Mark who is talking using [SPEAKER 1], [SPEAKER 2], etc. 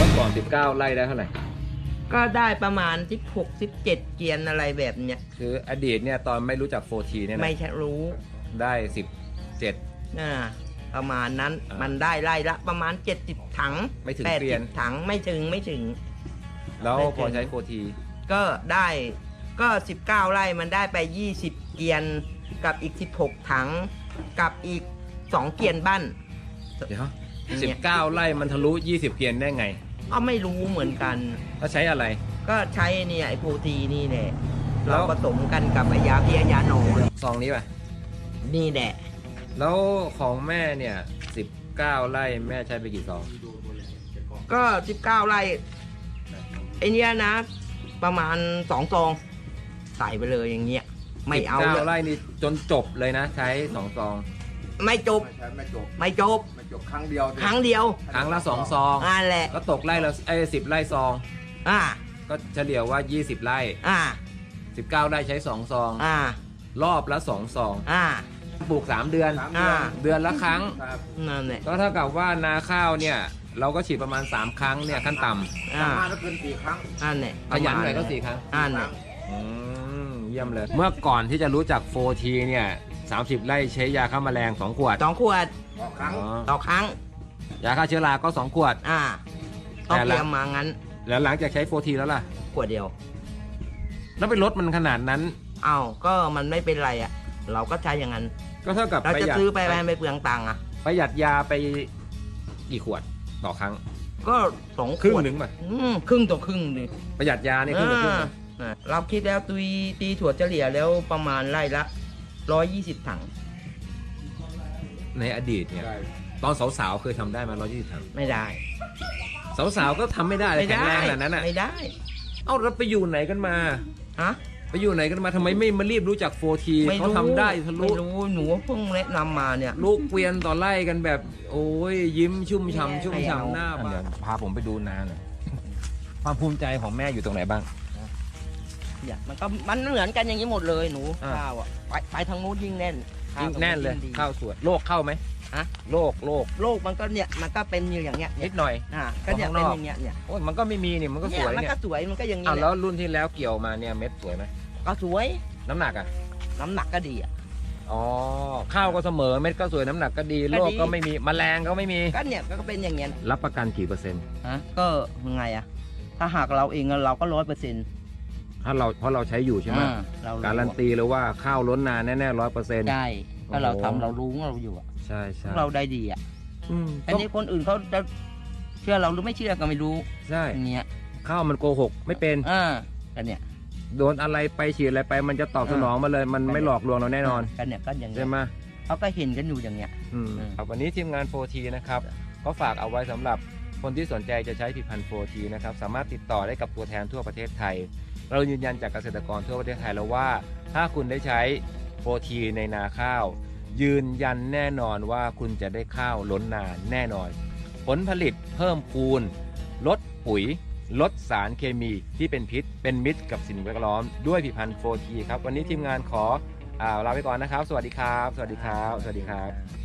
[SPEAKER 1] มื่อก่อน19ไร่ได้เท่าไหร่
[SPEAKER 2] ก็ได้ประมาณ16-17 เกียนอะไรแบบเนี้ย
[SPEAKER 1] คืออดีตเนี่ยตอนไม่รู้จัก 4T เนี่ยนะ
[SPEAKER 2] ไม่ใช่รู้
[SPEAKER 1] ได้17
[SPEAKER 2] ประมาณนั้นมันได้ไร่ละประมาณ70 ถัง
[SPEAKER 1] ไม่ถึงเกวียน
[SPEAKER 2] ถังไม่ถึง
[SPEAKER 1] แล้วพอใช้ 4T
[SPEAKER 2] ก็ได้ก็19ไร่มันได้ไป20 เกียนกับอีก16 ถังกับอีก2 เกียนบ้าน
[SPEAKER 1] เดี๋ยว19ไร่มันทะลุ20เกียนได้ไง
[SPEAKER 2] ก็ไม่รู้เหมือนกัน
[SPEAKER 1] แล้วใช้อะไร
[SPEAKER 2] ก็ใช้เนี่ยไอ้โปรตีนี่แหละเราผสมกันกับไอ้ยาเพี้ยยาหนอน
[SPEAKER 1] ซองนี้ป่ะ
[SPEAKER 2] นี่แหละ
[SPEAKER 1] แล้วของแม่เนี่ย19ไร่แม่ใช้ไปกี่ซอง
[SPEAKER 2] ก็19ไร่ไอ้เนี้ยนะประมาณ2 ซองใส่ไปเลยอย่างเงี้ยไม่เอา
[SPEAKER 1] 19ไร่นี่จนจบเลยนะใช้2 ซอง
[SPEAKER 2] ไม่จบครั้งเดียวครั้งละ
[SPEAKER 1] 2 ซอง
[SPEAKER 2] นั่นแหละ
[SPEAKER 1] ก็ตกไร่ละ10ไร่ซองก็เฉลี่ยว่า20ไร่19ไร่ใช้2 ซองรอบละ2 ซองปลูก3 เดือนเดือนละครั้ง
[SPEAKER 2] นั่นแหละ
[SPEAKER 1] ก็เท่ากับว่านาข้าวเนี่ยเราก็ฉีดประมาณ3 ครั้งเนี่ยขั้นต่ำ
[SPEAKER 3] ถ้าเกิน4 ครั้ง
[SPEAKER 2] นั่นแหละ
[SPEAKER 1] ขยันหน่อยก็4 ครั้ง
[SPEAKER 2] นั่นแหละ
[SPEAKER 1] เยี่ยมเลยเมื่อก่อนที่จะรู้จัก 4T เนี่ย30ไร่ใช้ยาฆ่าแมลง2 ขวด
[SPEAKER 2] ต่อครั้ง
[SPEAKER 1] ยาฆ่าเชื้อราก็2 ขวด
[SPEAKER 2] ต้องเตรียมมางั้น
[SPEAKER 1] แล้วหลังจากใช้ 4T แล้วล่ะ
[SPEAKER 2] ขวดเดียว
[SPEAKER 1] แล้วไปลดมันขนาดนั้น
[SPEAKER 2] ก็มันไม่เป็นไรเราก็ใช้อย่างนั้น
[SPEAKER 1] ก็เท่ากับ
[SPEAKER 2] เราจะซื้อไปเปลืองตังค์
[SPEAKER 1] ประหยัดยาไปกี่ขวดต่อครั้ง
[SPEAKER 2] ก็2 ขวด
[SPEAKER 1] ครึ่งหนึ่งป่ะ
[SPEAKER 2] ครึ่งต่อครึ่งดิ
[SPEAKER 1] ประหยัดยานี่ครึ่งต่อครึ่ง
[SPEAKER 2] เราคิดแล้วตีถั่วเฉลี่ยแล้วประมาณไร่ละ120 ถัง
[SPEAKER 1] ในอดีตเนี่ยตอนสาวๆเคยทำได้มา120 ถัง
[SPEAKER 2] ไม่ได้
[SPEAKER 1] สาวๆก็ทำไม่ได้เลยแข็งแรงขนาดนั้น
[SPEAKER 2] ไม่ได้
[SPEAKER 1] แล้วไปอยู่ไหนกันมาไปอยู่ไหนกันมาทำไมไม่มารีบรู้จัก 4T เขาทำได้ทะลุ
[SPEAKER 2] ไม่รู้หนูเพิ่งแนะนำมาเนี่ย
[SPEAKER 1] ลูกเกวียนต่อไล่กันแบบโอ้ยยิ้มชุ่มฉ่ำหน้าบ้านพาผมไปดูนาหน่อยความภูมิใจของแม่อยู่ตรงไหนบ้าง
[SPEAKER 2] มันเหมือนกันอย่างนี้หมดเลยหนูข้าวไปทางนู้นยิ่งแน่น
[SPEAKER 1] เลยข้าวสวยโรคเข้าไหมโรค
[SPEAKER 2] มันก็เนี่ยมันก็เป็นอย่างเงี้ย
[SPEAKER 1] นิดหน่อย
[SPEAKER 2] ก็เนี่ยเป็นอย่างเงี้ย
[SPEAKER 1] โอ้ยมันก็ไม่มีนี่มันก็สวย
[SPEAKER 2] มันก็สวยมันก็อย่างนี้
[SPEAKER 1] แล้วรุ่นที่แล้วเกี่ยวมาเนี่ยเม็ดสวยไหม
[SPEAKER 2] ก็สวย
[SPEAKER 1] น้ำหนัก
[SPEAKER 2] ก็ดี
[SPEAKER 1] ข้าวก็เสมอเม็ดก็สวยน้ำหนักก็ดีโรคก็ไม่มีแมลงก็ไม่มี
[SPEAKER 2] ก็เนี่ยก็เป็นอย่างเงี้ย
[SPEAKER 1] รับประกันกี่%
[SPEAKER 2] ก็ยังไงถ้าหากเราเองเราก็100%
[SPEAKER 1] ถ้าเพราะเราใช้อยู่ใช่ไหมการันตีเลยว่าข้าวล้นนาแน่ๆ100%
[SPEAKER 2] ใช่ถ้าเราทำเรารู้เราอยู่
[SPEAKER 1] ใช่
[SPEAKER 2] เราได้ดีอันนี้คนอื่นเขาจะเชื่อเราหรือไม่เชื่อก็ไม่รู้
[SPEAKER 1] ใช่
[SPEAKER 2] เนี่ย
[SPEAKER 1] ข้าวมันโกหกไม่เป็น
[SPEAKER 2] กันเนี่ย
[SPEAKER 1] โดนอะไรไปฉีดอะไรไปมันจะตอบสนองมาเลยมันไม่หลอกลวงเราแน่นอน
[SPEAKER 2] กันเนี่ยก็อย่าง
[SPEAKER 1] ใช่ไหม
[SPEAKER 2] เขาก็เห็นกันอยู่อย่างเงี้ย
[SPEAKER 1] วันนี้ทีมงาน 4T นะครับก็ฝากเอาไว้สำหรับคนที่สนใจจะใช้ผลิตภัณฑ์ 4T นะครับสามารถติดต่อได้กับตัวแทนทั่วประเทศไทยเรายืนยันจากเกษตรกรทั่วประเทศไทยแล้วว่าถ้าคุณได้ใช้ 4T ในนาข้าวยืนยันแน่นอนว่าคุณจะได้ข้าวล้นนาแน่นอนผลผลิตเพิ่มพูนลดปุ๋ยลดสารเคมีที่เป็นพิษเป็นมิตรกับสิ่งแวดล้อมด้วยผลิตภัณฑ์ 4T ครับวันนี้ทีมงานขอลาไปก่อนนะครับสวัสดีครับ